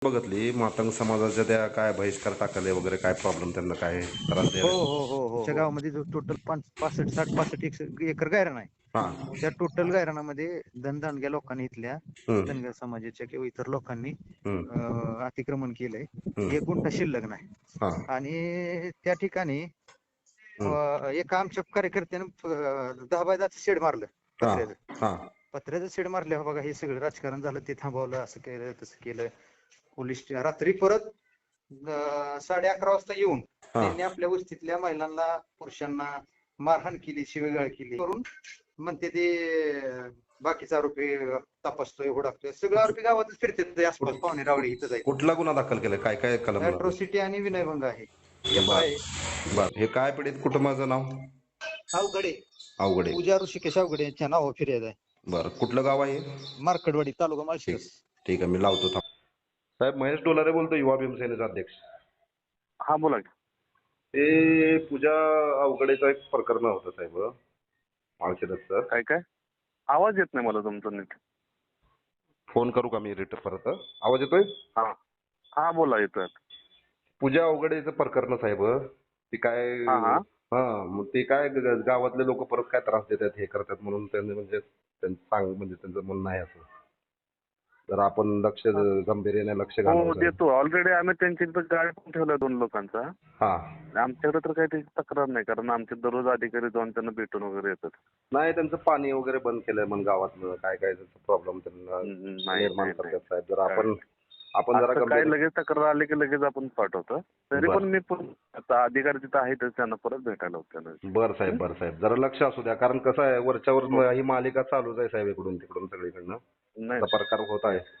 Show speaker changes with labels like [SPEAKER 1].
[SPEAKER 1] बघितली मातंग समाजाच्या त्या काय बहिष्कार टाकले वगैरे काय प्रॉब्लेम त्यांना काय त्रास
[SPEAKER 2] हो
[SPEAKER 1] द्यायला.
[SPEAKER 2] हो हो हो आमच्या गावामध्ये जो टोटल 65 65 एकर गायरान आहे.
[SPEAKER 1] हा.
[SPEAKER 2] त्या टोटल गायरानामध्ये धनदांडग्या लोकांनी इथल्या
[SPEAKER 1] हम्म,
[SPEAKER 2] धनगर समाजाच्या किंवा इतर लोकांनी
[SPEAKER 1] हम्म,
[SPEAKER 2] अतिक्रमण केलंय.
[SPEAKER 1] हम्म.
[SPEAKER 2] 1 गुंठा शिल्लक नाही.
[SPEAKER 1] हा.
[SPEAKER 2] आणि त्या ठिकाणी
[SPEAKER 1] हम्म.
[SPEAKER 2] एका आमच्या कार्यकर्त्यानं 10 बाय 10 शेड मारलं
[SPEAKER 1] हा.
[SPEAKER 2] पत्र्याचं.
[SPEAKER 1] हा.
[SPEAKER 2] पत्र्याचं शेड मारल्यावर बघा हे सगळं राजकारण झालं, ते थांबवलं, असं केलं तसं केलं. पोलीस रात्री परत 11:30 वाजता येऊन
[SPEAKER 1] हा.
[SPEAKER 2] त्यांनी आपल्या वस्तीतल्या महिलांना पुरुषांना मारहाण केली, शिवीगाळ केली करून म्हणते ते बाकीचा आरोपी तपासतोय, हुडाकतोय. सगळे आरोपी गावातच फिरतात आसपास, पाहुणे रावळे इथं जायचं.
[SPEAKER 1] कुठला गुन्हा दाखल केलाय काय काय कलम लागले?
[SPEAKER 2] अॅट्रॉसिटी आणि विनयभंग आहे.
[SPEAKER 1] बर
[SPEAKER 2] FI
[SPEAKER 1] बर. हे काय पीडित कुटुंबाचं नाव?
[SPEAKER 2] अवघडे,
[SPEAKER 1] अवघडे.
[SPEAKER 2] पूजा ऋषिकेश अवघडे यांच्या नावावर फिर्याद आहे.
[SPEAKER 1] बर. कुठलं गाव आहे?
[SPEAKER 2] मार्कडवाडी, तालुका
[SPEAKER 1] ठीक.
[SPEAKER 2] माळशिरस.
[SPEAKER 1] ठीक आहे, मी लावतो थांब. साहेब महेश डोलारे बोलतो, युवा भीमसेनेचा अध्यक्ष.
[SPEAKER 3] हा बोला की.
[SPEAKER 1] ते पूजा अवघडेचं एक प्रकरण होतं साहेब माळशिरसचं.
[SPEAKER 3] काय काय आवाज येत नाही मला तुमचा नीट.
[SPEAKER 1] फोन करू का मी रिटर्न परत? आवाज येतोय?
[SPEAKER 3] हा हा बोला येतोय.
[SPEAKER 1] पूजा अवघडेचं प्रकरण साहेब, ती काय
[SPEAKER 3] हा हा
[SPEAKER 1] हा मग ते काय गावातले लोक परत काय त्रास देतात हे करतात म्हणून त्यांनी म्हणजे त्यांचं म्हणणं आहे असं. जर आपण लक्ष गंभीर्याने लक्ष
[SPEAKER 3] हो
[SPEAKER 1] घालावं.
[SPEAKER 3] देतो. ऑलरेडी आम्ही त्यांच्या इथं गाडी पण ठेवलाय 2 लोकांचा.
[SPEAKER 1] हा.
[SPEAKER 3] आमच्याकडे तर काही त्याची तक्रार नाही, कारण आमचे दररोज अधिकारी जाऊन त्यांना भेटून वगैरे येतात.
[SPEAKER 1] नाही, त्यांचं पाणी वगैरे बंद केलंय मग गावातलं काय काय प्रॉब्लेम त्यांना
[SPEAKER 3] नाही
[SPEAKER 1] निर्माण
[SPEAKER 3] नाही
[SPEAKER 1] करतात साहेब. जर
[SPEAKER 3] नाही.
[SPEAKER 1] आपण जरा
[SPEAKER 3] असं काय
[SPEAKER 1] गंभीर.
[SPEAKER 3] लगेच तक्रार आली की लगेच आपण पाठवतो. तरी
[SPEAKER 1] बरं.
[SPEAKER 3] पण मी पण आता अधिकारी तिथं आहेतच, त्यांना परत भेटायला होतं.
[SPEAKER 1] बरं साहेब जरा लक्ष असू द्या, कारण कसं आहे वरच्यावर ही मालिका चालूच आहे साहेब, इकडून तिकडून सगळीकडनं
[SPEAKER 3] नाही
[SPEAKER 1] प्रकार होत आहे.